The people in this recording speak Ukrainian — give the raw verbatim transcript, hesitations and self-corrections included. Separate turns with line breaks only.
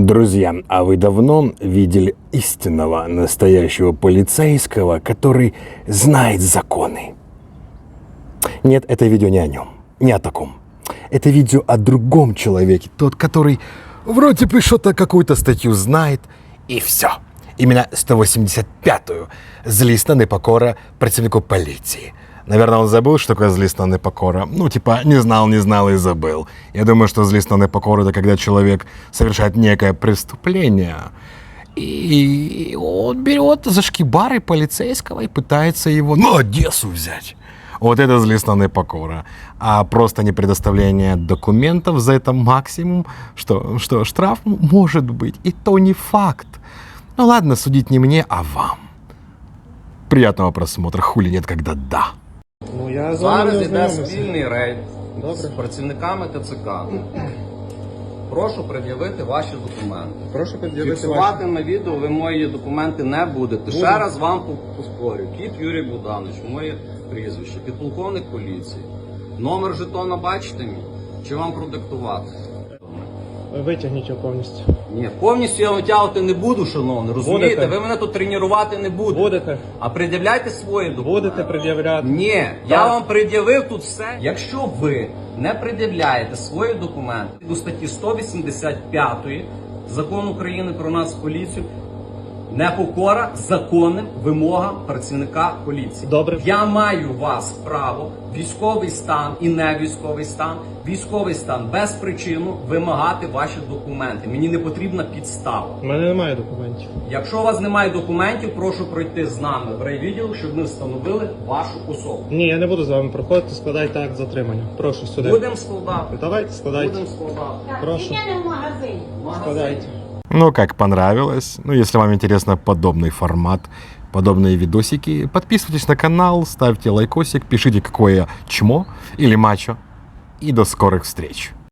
Друзья, а вы давно видели истинного настоящего полицейского, который знает законы? Нет, это видео не о нем, не о таком. Это видео о другом человеке, тот, который вроде бы что-то, какую-то статью знает, и все. Именно сто восемьдесят пятую злісна непокора працівнику полиции. Наверное, он забыл, что такое злісна непокора. Ну, типа, не знал, не знал и забыл. Я думаю, что злісна непокора – это когда человек совершает некое преступление, и он берет за шкибары полицейского и пытается его на Одессу взять. Вот это злісна непокора. А просто не предоставление документов за это максимум, что, что штраф может быть. И то не факт. Ну ладно, судить не мне, а вам. Приятного просмотра, хули нет, когда да.
Ну, я з вами
Зараз
не
йде
ознайомився.
спільний рейд
Добре.
з працівниками ТЦК. Прошу пред'явити ваші документи.
Прошу під'явити ваші.
Фіксувати на відео ви мої документи не будете.
Буду.
Ще раз вам поспорю. Кіт Юрій Богданович, моє прізвище, підполковник поліції. Номер жетона бачите мій? Чи вам продиктувати?
Витягніть його повністю.
Ні, повністю я витягувати не буду, шановний, розумієте?
Будете.
Ви мене тут тренувати не будете.
Будете.
А пред'являйте свої документи.
Будете пред'являти.
Ні, я вам пред'явив тут все. Якщо ви не пред'являєте свої документи до статті сто вісімдесят п'ятої Закону України про нас поліцію, непокора законним вимогам працівника поліції.
Добре.
Я маю вас право, військовий стан і не військовий стан, військовий стан без причину вимагати ваші документи. Мені не потрібна підстава.
У мене немає документів.
Якщо у вас немає документів, прошу пройти з нами в райвідділ, щоб ми встановили вашу особу.
Ні, я не буду з вами проходити, складайте акт затримання. Прошу сюди.
Будемо складати.
Давайте, складайте.
Будемо складати.
Так,
Прошу.
я не в магазині.
Складайте.
Ну, как понравилось. Ну, если вам интересно подобный формат, подобные видосики, подписывайтесь на канал, ставьте лайкосик, пишите, какое чмо или мачо. И до скорых встреч.